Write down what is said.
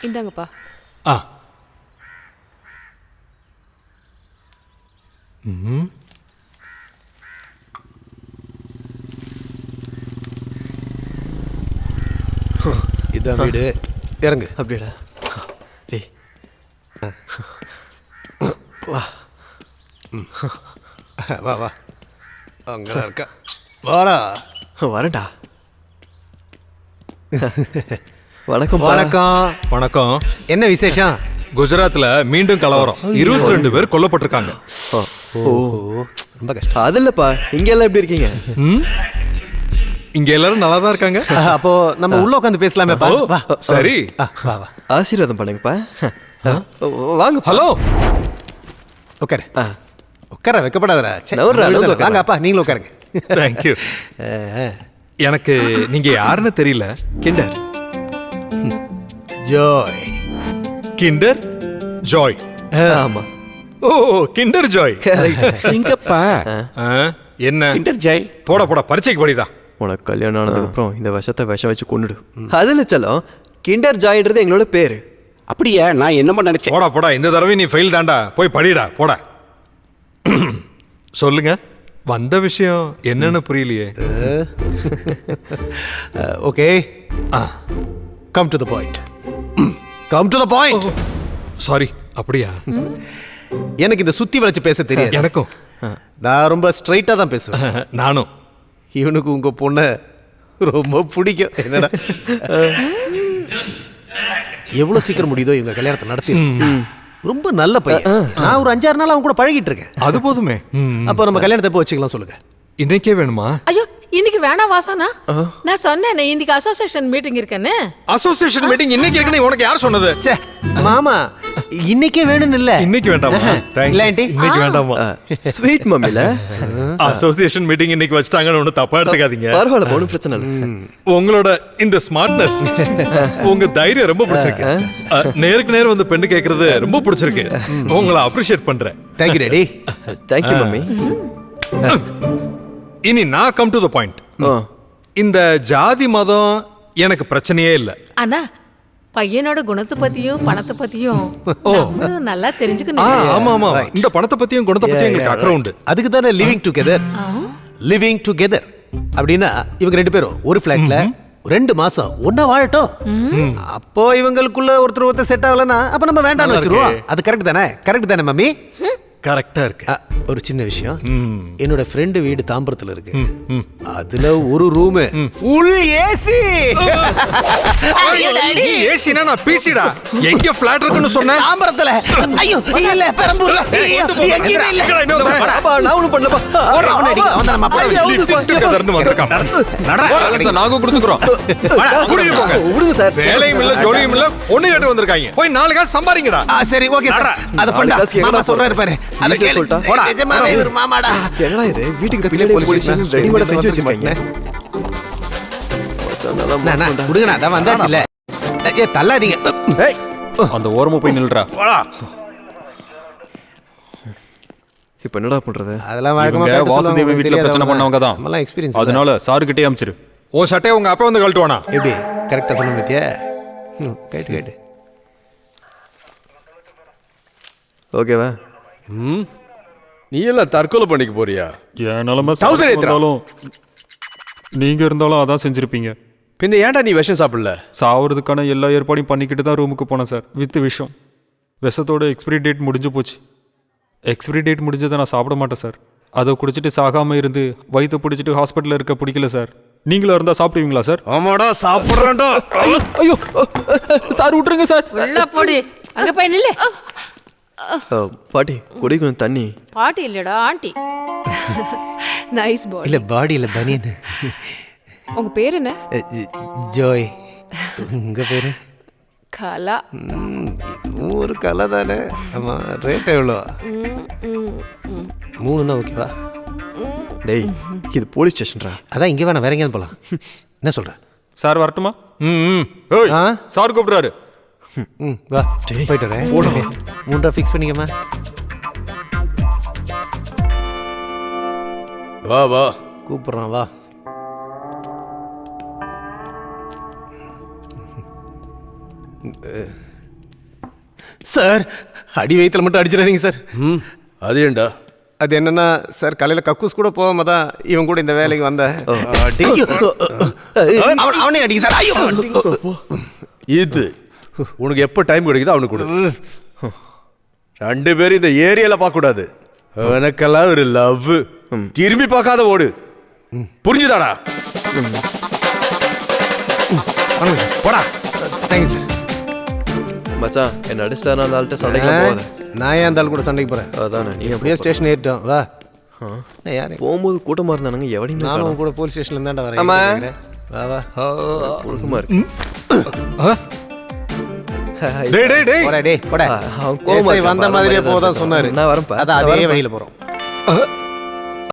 இந்தாங்கப்பா. ஆ. ம். இதான் வீடு. இறங்கு. அப்படியாடா? டேய் வா. வா வா. அங்கதான் இருக்கா. வாடா. வரேன்டா. வணக்கம். வணக்கம். வணக்கம். என்ன விசேஷம்? குஜராத்ல மீண்டும் கலவரம். 22 பேர் கொல்லப்பட்டிருக்காங்க. ஓ, ரொம்ப கஷ்டம். அது இல்லப்பா, இங்க எல்லாம் எப்படி இருக்கீங்க? இங்க எல்லாரும் நல்லா தான் இருக்காங்க. அப்போ நம்ம உள்ள உட்காந்து பேசலாமே. வா. சரி. வா வா. ஆசீர்வாதம் பண்ணுங்கப்பா. வாங்க. ஹலோ. உட்காரு. உட்கார வைக்கப்படாதடா. நவுறா. வாங்க அப்பா, நீங்களும் உட்காருங்க. தேங்க்யூ. எனக்கு நீங்க யாருன்னு தெரியல. Kinder Joy. Kinder Joy. ஆமா. ஓ, கிண்டர் ஜாய். எங்கப்பா? என்ன கிண்டர் ஜாய்? போட பரீட்சைக்கு படிடா. உனக்கு கல்யாணம் ஆனதுக்கு அப்புறம் இந்த விஷத்தை விஷம் வச்சு கொண்டுடு. அதுல செல்லம், கிண்டர் ஜாய்ன்றது எங்களோட பேரு. அப்படியா? நான் என்னமோ நினைச்சேன். போடா இந்த தடவை நீ ஃபெயில் தாண்டா. போய் படிடா. போட. சொல்லுங்க, வந்த விஷயம் என்னன்னு புரியலையே. Okay, come to the point. Come to the point. Sorry. அப்படியா? எனக்கு இந்த சுத்தி வளைச்சு பேச தெரியாது. எனக்கும். நான் ரொம்ப ஸ்ட்ரைட்டா தான் பேசுவேன். நானும். இவனுக்கு உங்க பொண்ணை ரொம்ப பிடிக்கும். என்னடா, எவ்வளவு சீக்கிரம் முடியுதோ இவங்க கல்யாணத்தை நடத்தி. ரொம்ப நல்ல பையன். நான் ஒரு 5-6 நாள் அவன் கூட பழகிட்டு இருக்கேன். அது போதுமே. அப்போ நம்ம கல்யாணத்தை எப்போ வச்சுக்கலாம் சொல்லுங்க? இன்னைக்கே வேணுமா? ஐயோ, இன்னைக்கு வேணாம் வாசனா. நான் சொன்னேன் இன்னைக்கு அசோசியேஷன் மீட்டிங் இருக்குன்னு. அசோசியேஷன் மீட்டிங் இன்னைக்கு இருக்குன்னு உனக்கு யார் சொன்னது? மாமா, இன்னைக்கே வேணும்னு இல்ல. இன்னைக்கு வேண்டாமா? இல்ல ஆண்டி, இன்னைக்கு வேண்டாமா? ஸ்வீட் மம்மில அசோசியேஷன் மீட்டிங் இன்னைக்கு வச்சிட்டாங்கன்னு ஒண்ணு தப்பா எடுத்துக்காதீங்க. பரவாயில்ல, ஒன்றும் பிரச்சனை இல்லை. உங்களோட இந்த ஸ்மார்ட்னஸ், உங்க தைரியம் ரொம்ப பிடிச்சிருக்கு. நேருக்கு நேரம் வந்து பெண்ணு கேட்கறது ரொம்ப பிடிச்சிருக்கு. உங்களை அப்ரிஷியேட் பண்றேன். Thank you daddy. Thank you mummy. இனி நான் கம் டு தி பாயிண்ட். இந்த ஜாதி மதம் எனக்கு பிரச்சனையே இல்ல. ஆனா பையனோட குணத்தை பத்தியும் பணத்தை பத்தியும் நம்மளும் நல்லா தெரிஞ்சுக்கணும். ஆமா. இந்த பணத்தை பத்தியும் குணத்தை பத்தியும் எங்களுக்கு அக்கறை உண்டு. அதுக்கு தானே லிவிங் டுகெதர். லிவிங் டுகெதர் அப்படின்னா இவங்க 2 பேரும் ஒரு ஃபிளாட்ல 2 மாசம் ஒன்னா வாழட்டும். அப்போ இவங்களுக்குள்ள ஒருத்தர் செட் ஆகலன்னா அப்ப நம்ம வேண்டாம்னு வச்சிருவோம். அது கரெக்ட் தானே? கரெக்ட் தானே மம்மி? கரெக்டா இருக்கு. ஒரு சின்ன விஷயம், என்னோட ஃப்ரெண்டு வீடு தாம்பரத்துல இருக்கு. அதுல ஒரு ரூம் ஃபுல் ஏசி. ஏசினா நான் பிசிடா. எங்க ஃபிளாட் இருக்குன்னு சொன்னேன்? தாம்பரத்துல. ஐயோ இல்ல, பெரம்பூர்ல. எங்கேயுமே இல்ல. நான் ஒன்றும் பண்ணலப்பா. நாங்க கொடுத்துக்கிறோம். விடுங்க சார். வேலையும் இல்ல ஜோலியும் இல்ல, பொண்ணு கேட்டு வந்திருக்காங்க. போய் 4 காசு சம்பாதிங்கடா. சரி ஓகே சார். அத பண்ணா மாமா சொல்றாரு பாரு. அத சொல்லிட்டா. நிஜமாவே இவர் மாமாடா. என்னடா இது? வீட்டுக்கு பின்னாடி போலீஸ் ஸ்டேஷன் ரெடிமேட் செஞ்சு வச்சிருக்கீங்க. விடுங்கண்ணா, அதான் வந்தாச்சுல. ஏ தள்ளாதீங்க. அந்த ஓரமா போய் நில்றா. இப்போ என்னடா பண்றது? அதெல்லாம் இவங்க வாசுதேவ வீட்ல பிரச்சனை பண்ணவங்க தான். நம்மலாம் எக்ஸ்பீரியன்ஸ். அதனால சார் கிட்டே அமிச்சிரு. ஓ சட்டையை உங்க அப்பா வந்து கழட்டுவானா? எப்படி கரெக்டா சொல்லுங்க பத்தியா? கேட்டு ஓகேவா? நீ எல்லாம் தற்கொலை பண்ணிக்க போறியா? என் நிலைமை இருந்தாலும் நீங்க இருந்தாலும் அதான் செஞ்சிருப்பீங்க. பின்ன ஏன்டா நீ விஷம் சாப்பிடல? சாவறதுக்கான எல்லா ஏற்பாடையும் பண்ணிக்கிட்டு தான் ரூமுக்கு போனேன் சார். வித் விஷம். விஷத்தோட எக்ஸ்பிரி டேட் முடிஞ்சு போச்சு. எக்ஸ்பிரி டேட் முடிஞ்சதை நான் சாப்பிட மாட்டேன் சார். அதை குடிச்சிட்டு சாகாம இருந்து வயிற்று பிடிச்சிட்டு ஹாஸ்பிட்டலில் இருக்க பிடிக்கல சார். நீங்களும் இருந்தா சாப்பிடுவீங்களா சார்? ஆமாடா, சாப்பிட்றேன்டா. ஐயோ சார், விட்டுருங்க சார். உள்ள போடி. அங்க போய் நில்லு. பாட்டி குடி கொஞ்சம் தண்ணி. பாட்டி இல்லடா, ஆண்டி. நைஸ் பாடி. இல்ல பாடி இல்ல பனியன். உங்க பேர் என்ன? ஜோய். உங்க பேரு? கலா. ஒரு கலை தானே. ஆமா. ரேட் எவ்வளோ? 3ன்னா ஓகேவா? டேய், இது போலீஸ் ஸ்டேஷன்ரா. அதான் இங்கே வேணாம், வேற எங்கேயாவது போகலாம். என்ன சொல்ற? சார் வரட்டுமா? சார் கூப்பிடுறாரு. வா போயிட்டு வரேன். 3 ஃபிக்ஸ் பண்ணிக்கமா. வா வா, கூப்பிட்றான் வா. சார் அடி வயித்துல மட்டும் அடிச்சிடாதீங்க சார். ம் அது ஏண்டா? அது என்னன்னா சார் காலையில் கக்கூஸ் கூட போகாம தான் இவன் கூட இந்த வேலைக்கு வந்தேன். அவனே அடிங்க சார். ஐயோ இது உனக்கு எப்போ டைம் கிடைக்குதோ அவனுக்கு கொடு. 2 பேரும் இந்த ஏரியால பார்க்க கூடாது. எனக்கெல்லாம் ஒரு லவ். திரும்பி பார்க்காத ஓடு. புரிஞ்சுதாடா? போடா. Thank you sir. மச்சான் என்ன அடிச்சிட்டாரு அந்த ஆள்கிட்ட சண்டைக்கு போகாத. நான் ஏன் அந்த ஆள் கூட சண்டைக்கு போகிறேன்? அதான் நீ அப்படியே ஸ்டேஷன் ஏறிட்டோம் வா. நான் யாரு போகும்போது கூட்டமா இருந்தானுங்க எவனையுமே நானும் உன் கூட போலீஸ் ஸ்டேஷன்ல இருந்தாண்டா ஆமா. வரேன். வா வா. ஒழுக்கமா இருக்கு. டேய் டேய் டேய் போடா டேய் போடா. அவன் கோவமா SI இருக்கான் வந்த பாரு, மாதிரியே மரியாதை போதான் பேசுறான். சொன்னாரு. நான் வரேன்ப்பா. அதான் நான் அதே வரேன்ப்பா. வழியில போறோம்.